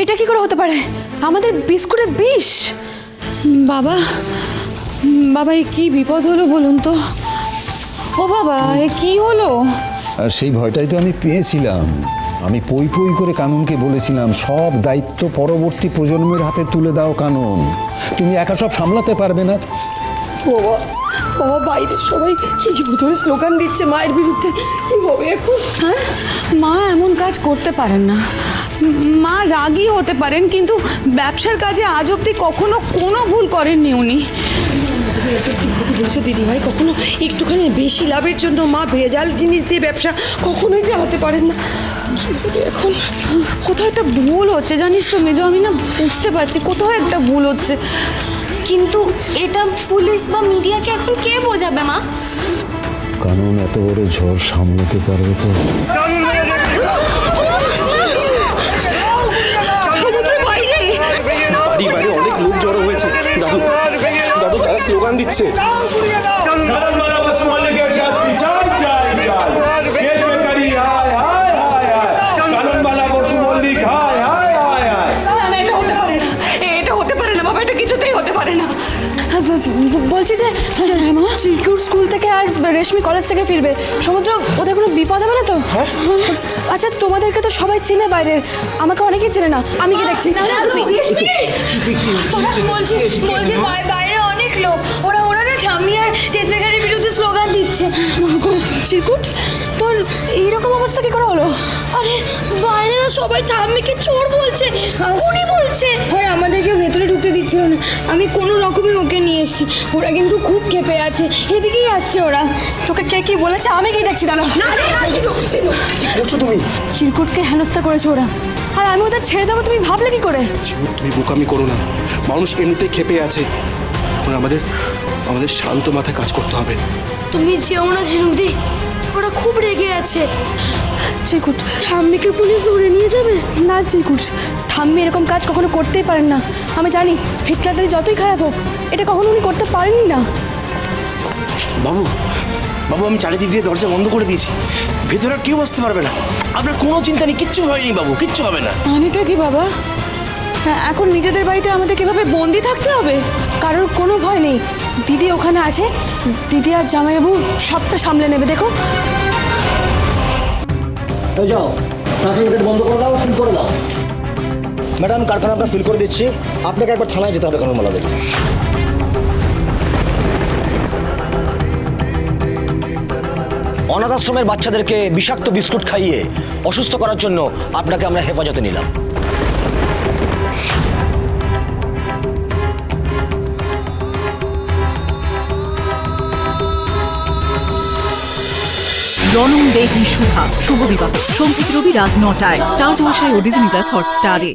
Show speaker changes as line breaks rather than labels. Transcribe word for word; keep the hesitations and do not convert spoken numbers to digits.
এটা কি করে হতে পারে? আমাদের বিস্কুটে বিষ?
বাবা বাবা এ কি বিপদ হলো বলুন তো? ও বাবা এ কি হলো?
আর সেই ভয়টাই তো আমি পেয়েছিলাম। আমি পই পই করে কানুনকে বলেছিলাম সব দায়িত্ব পরবর্তী প্রজন্মের হাতে তুলে দাও কানুন, তুমি একা সব সামলাতে পারবে না।
বাবা বাবা বাইরে সবাই কি ধরে স্লোগান দিচ্ছে মায়ের বিরুদ্ধে, কি হবে এখন? হ্যাঁ, মা এমন কাজ করতে পারেন না। মা রাগী হতে পারেন, কিন্তু ব্যবসার কাজে আজ অব্দি কখনো কোনো ভুল করেননি উনি।
বলছো দিদিভাই, কখনো একটুখানি বেশি লাভের জন্য মা ভেজাল জিনিস দিয়ে ব্যবসা কখনোই চালাতে পারেন না।
এখন কোথাও একটা ভুল হচ্ছে জানিস তো মেজো, আমি না বুঝতে পারছি কোথাও একটা ভুল হচ্ছে।
কিন্তু এটা পুলিশ বা মিডিয়াকে এখন কে বোঝাবে মা?
কানুন এত বড় ঝড় সামলাতে পারবে তো?
বাড়ি বাইরে অনেক লোক জড়ো হয়েছে। দাদু দাদু তারা স্লোগান দিচ্ছে।
বলছি যে চিরকুট স্কুল থেকে আর রেশমি কলেজ থেকে ফিরবে, সমুদ্র ওদের কোনো বিপদ হবে না তো? আচ্ছা তোমাদেরকে তো সবাই চেনে বাইরের, আমাকে অনেকেই চেনে না, আমি কি দেখছি?
তোরা বলছিস বলছি বাইরে অনেক লোক, ওরা ওরা না ঠাম্মি আর টেজবেকারের বিরুদ্ধে স্লোগান দিচ্ছে।
চিরকুট তোর এইরকম অবস্থা কি করে হলো?
আরে বাইরেরা সবাই ঠাম্মিকে চোর বলছে, খুনি বলছে, আর আমাদেরকে ভেতরে ঢুকতে দিচ্ছিল না। আমি কোনো রকমে ওকে নিয়ে এসেছি, ওরা কিন্তু খুব ক্ষেপে আছে, এদিকেই আসছে ওরা।
তোকে কে কি বলেছে? আমি কি দেখছি? দাঁড়া,
কি করছো তুমি?
চিরকুটকে হেনস্থা করেছে ওরা, আর আমি ওদের ছেড়ে দেবো তুমি ভাবলে কি করে?
তুমি বোকামি করো না, মানুষ এমনিতেই ক্ষেপে আছে। এখন আমাদের আমাদের শান্ত মাথায় কাজ করতে হবে।
তুমি যেও না ঝিনুকদি, ওরা খুব রেগে আছে।
চিরকুট,
ঠাম্মিকে পুলিশ ধরে নিয়ে যাবে?
না চিরকুট, ঠাম্মি এরকম কাজ কখনো করতেই পারেন না। আমি জানি হিটলার যতই খারাপ হোক, এটা কখনো উনি করতে পারেনই না।
বাবু বাবু আমি চারিদিক দিয়ে দরজা বন্ধ করে দিয়েছি, ভেতরে আর কেউ আসতে পারবে না। আপনার কোনো চিন্তা নেই, কিচ্ছু হয়নি বাবু, কিচ্ছু হবে না।
মানেটা কি বাবা? হ্যাঁ, এখন নিজেদের বাড়িতে আমাদের কিভাবে বন্দি থাকতে হবে?
কারোর কোনো ভয় নেই, দিদি ওখানে আছে, দিদি আর জামাইবাবু সবটা সামলে নেবে। দেখো
যাও, ট্রাফিক গেট বন্ধ করে দাও, সিল করে দাও। ম্যাডাম কারখানা আমরা সিল করে দিচ্ছি, আপনাকে একবার থানায় যেতে হবে কানুন মালাদের। অনাথ আশ্রমের বাচ্চাদেরকে বিষাক্ত বিস্কুট খাইয়ে অসুস্থ করার জন্য আপনাকে আমরা হেফাজতে নিলাম।
জনম দেহি শুভা শুভ বিবাহ সোম থেকে রবি রাত নটায় স্টার জলসায় ও ডিজনি প্লাস হটস্টারে।